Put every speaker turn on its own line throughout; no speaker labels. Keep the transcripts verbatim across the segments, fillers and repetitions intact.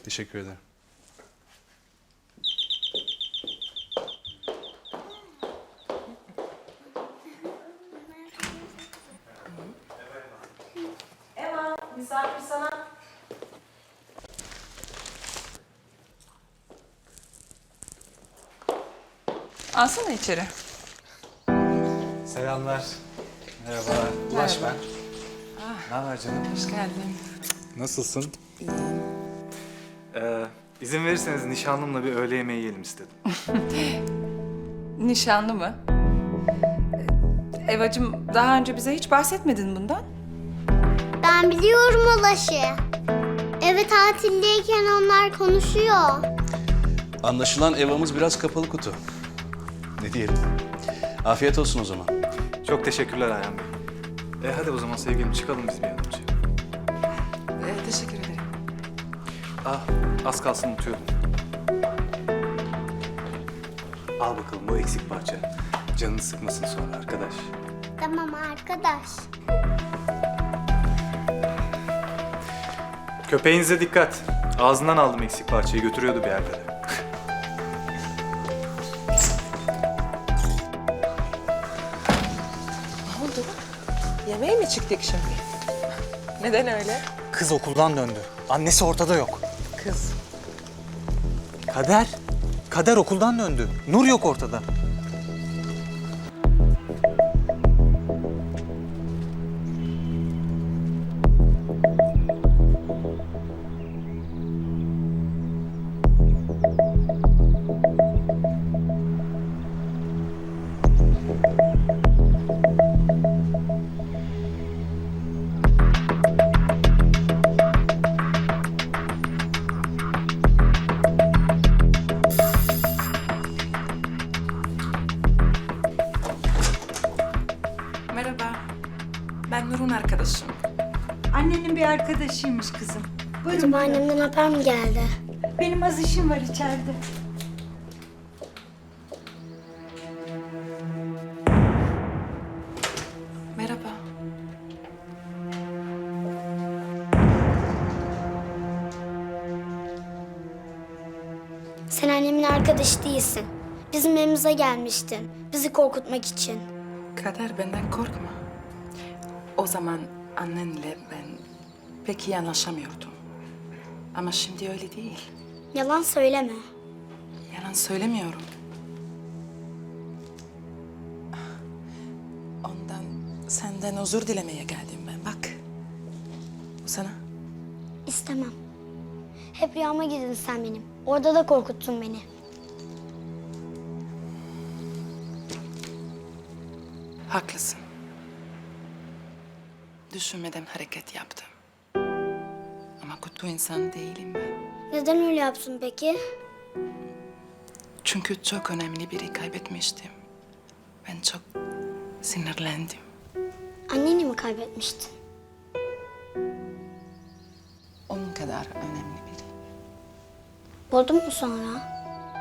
Teşekkür ederim.
Eva, misafir sana. Alsana içeri.
Selamlar. Merhaba. Ulaş ben. Ne haber canım?
Hoş geldin.
Nasılsın?
Ee, izin verirseniz nişanlımla bir öğle yemeği yiyelim istedim.
Nişanlı mı? Ee, Evacığım, daha önce bize hiç bahsetmedin bundan.
Ben biliyorum Ulaş'ı. Eve tatildeyken onlar konuşuyor.
Anlaşılan evamız biraz kapalı kutu. Ne diyelim? Afiyet olsun o zaman.
Çok teşekkürler Ayhan Bey. E hadi o zaman sevgilim çıkalım biz bir an önce.
Ee, teşekkür ederim.
Ah, az kalsın unutuyordum. Al bakalım bu eksik parça. Canını sıkmasın sonra arkadaş.
Tamam arkadaş.
Köpeğinize dikkat. Ağzından aldım eksik parçayı, götürüyordu bir yerlere.
Ne oldu? Yemeğe mi çıktık şimdi? Neden öyle?
Kız okuldan döndü. Annesi ortada yok.
Kız.
Kader. Kader okuldan döndü. Nur yok ortada.
Merhaba. Ben Nur'un arkadaşıyım.
Annenin bir arkadaşıymış kızım. Buyurun.
Acaba annemden haber mi geldi?
Benim az işim var içeride.
Merhaba.
Sen annemin arkadaşı değilsin. Bizim evimize gelmiştin. Bizi korkutmak için.
Kader, benden korkma. O zaman annenle ben pek iyi anlaşamıyordum. Ama şimdi öyle değil.
Yalan söyleme.
Yalan söylemiyorum. Ondan, senden özür dilemeye geldim ben. Bak. Bu sana.
İstemem. Hep rüyama girdin sen benim. Orada da korkuttun beni.
Haklısın. Düşünmeden hareket yaptım. Ama kötü insan değilim ben.
Neden öyle yaptın peki?
Çünkü çok önemli biri kaybetmiştim. Ben çok sinirlendim.
Anneni mi kaybetmiştin?
Onun kadar önemli biri.
Buldun mu sonra?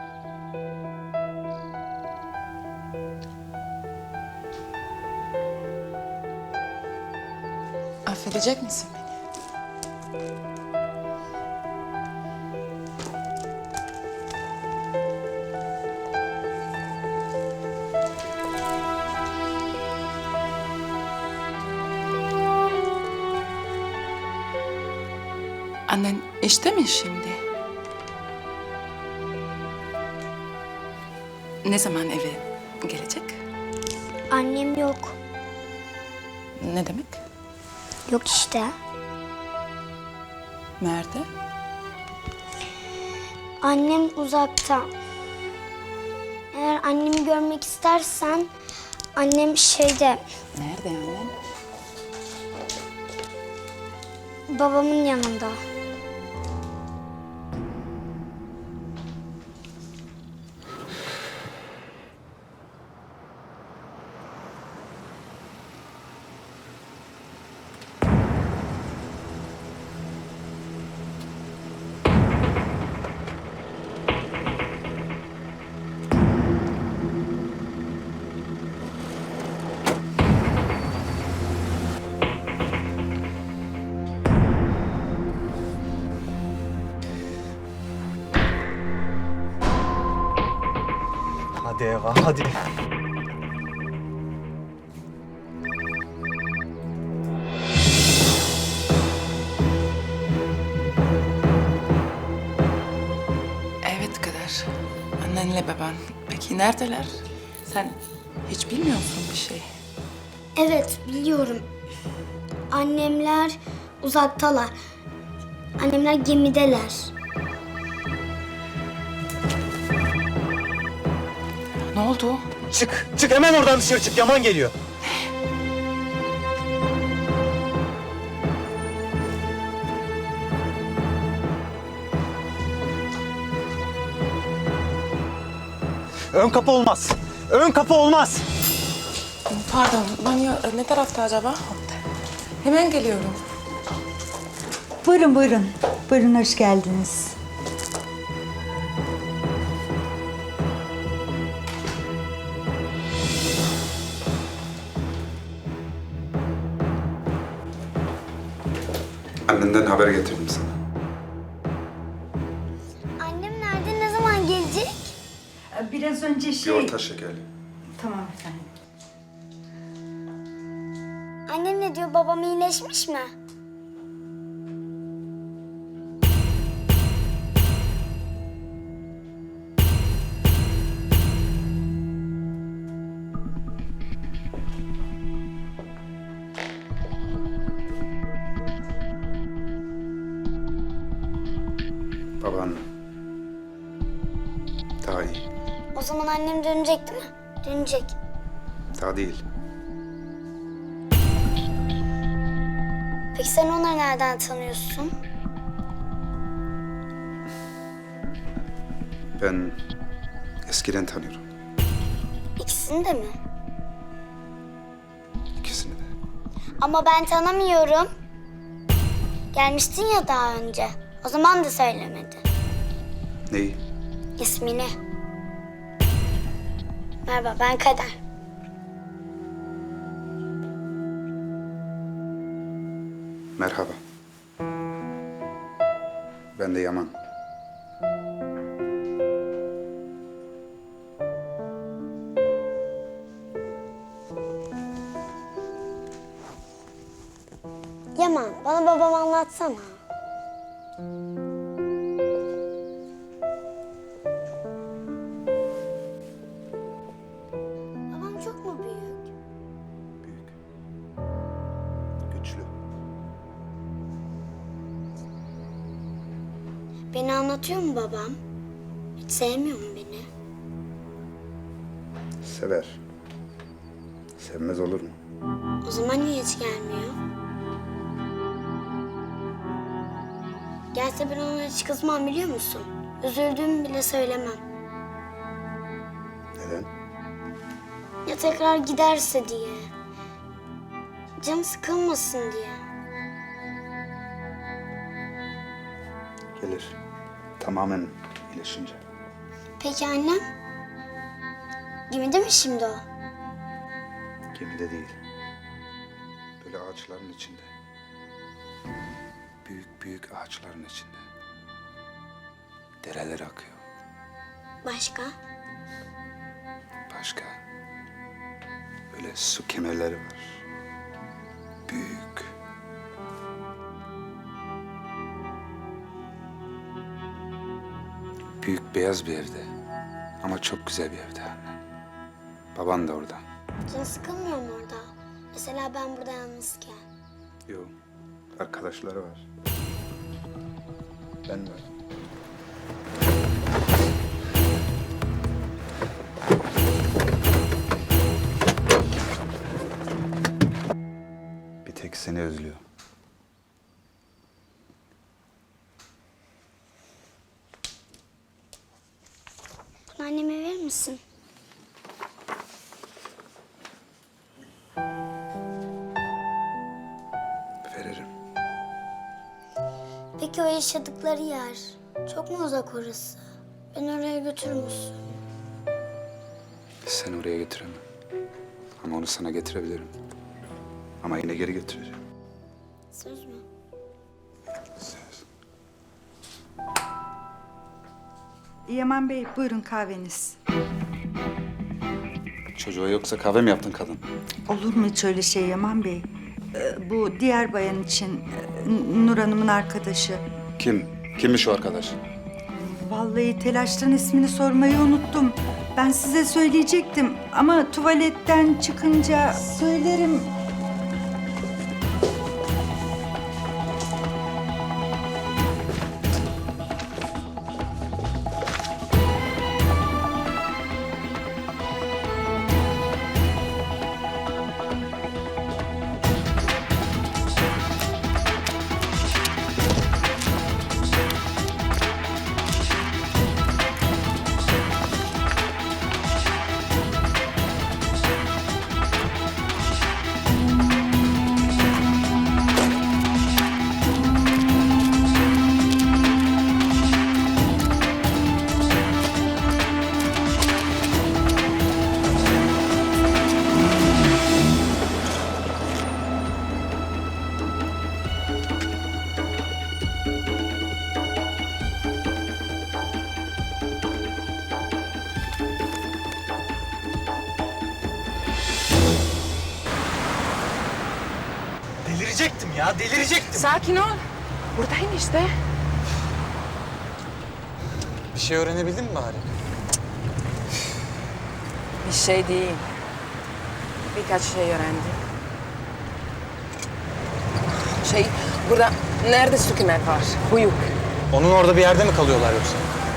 Affedecek misin beni? Annen işte mi şimdi? Ne zaman eve gelecek?
Annem yok.
Ne demek?
Yok işte.
Nerede?
Annem uzakta. Eğer annemi görmek istersen annem şeyde
Nerede annen?
babamın yanında.
Hadi Eva, hadi.
Evet Kader. Annenle baban. Peki neredeler? Sen hiç bilmiyor musun bir şey?
Evet, biliyorum. Annemler uzaktalar. Annemler gemideler.
Ne oldu?
Çık, çık hemen oradan dışarı çık. Yaman geliyor. Ön kapı olmaz. Ön kapı olmaz.
Pardon, banyo ne tarafta acaba? Hemen geliyorum.
Buyurun buyurun. Buyurun hoş geldiniz.
Annenden haber getirdim sana.
Annem nerede, ne zaman gelecek?
Biraz önce
Bir
şey...
orta şekerli.
Tamam efendim.
Annem ne diyor, babam iyileşmiş mi?
Baban daha iyi.
O zaman annem dönecek değil mi? Dönecek.
Daha değil.
Peki sen onları nereden tanıyorsun?
Ben eskiden tanıyorum.
İkisini de mi?
İkisini de.
Ama ben tanımıyorum. Gelmiştin ya daha önce. O zaman da söylemedi.
Neyi?
İsmini. Merhaba, ben Kader.
Merhaba. Ben de Yaman.
Yaman, bana babamı anlatsana. Babam çok mu büyük?
Büyük. Güçlü.
Beni anlatıyor mu babam? Hiç sevmiyor mu beni?
Sever. Sevmez olur mu?
O zaman niye hiç gelmiyor? Gelse ben ona hiç kızmam, biliyor musun? Üzüldüğümü bile söylemem.
Neden?
Ya tekrar giderse diye. Canı sıkılmasın diye.
Gelir. Tamamen iyileşince.
Peki annem? Gemide mi şimdi o?
Gemide değil. Böyle ağaçların içinde. Büyük büyük ağaçların içinde. Dereler akıyor.
Başka?
Başka. Böyle su kemerleri var. Büyük. Büyük beyaz bir evde. Ama çok güzel bir evde anne. Baban da orada.
Canı sıkılmıyor mu orada? Mesela ben burada yalnızken.
Yok. Arkadaşları var. Ben var. Bir tek seni özlüyor.
Bunu anneme verir misin?
Veririm.
Peki o yaşadıkları yer çok mu uzak orası? Beni oraya götürür müsün?
Seni oraya getiremem. Ama onu sana getirebilirim. Ama yine geri götüreceğim.
Söz mü?
Söz.
Yaman Bey buyurun kahveniz.
Çocuğa yoksa kahve mi yaptın kadın?
Olur mu hiç öyle şey Yaman Bey? Ee, bu diğer bayan için e, Nur Hanım'ın arkadaşı.
Kim? Kimmiş o arkadaş?
Vallahi telaştan ismini sormayı unuttum. Ben size söyleyecektim ama tuvaletten çıkınca söylerim.
Delirecektim ya, delirecektim.
Sakin ol. Buradayım işte.
Bir şey öğrenebildin mi bari?
Bir şey değil. Birkaç şey öğrendim. Şey, burada nerede Sükumer var? Huyuk.
Onun orada bir yerde mi kalıyorlar yoksa?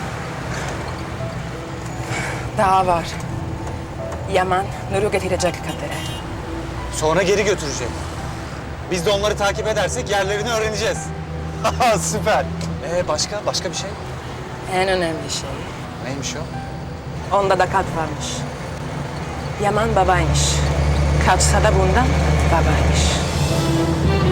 Daha var. Yaman, Nur'u getirecek Kader'e.
Sonra geri götürecek. Biz de onları takip edersek yerlerini öğreneceğiz. Haha, süper. Ee başka, başka bir şey?
En önemli şey.
Neymiş o?
Onda da kat varmış. Yaman babaymış. Kaçsa da bundan babaymış.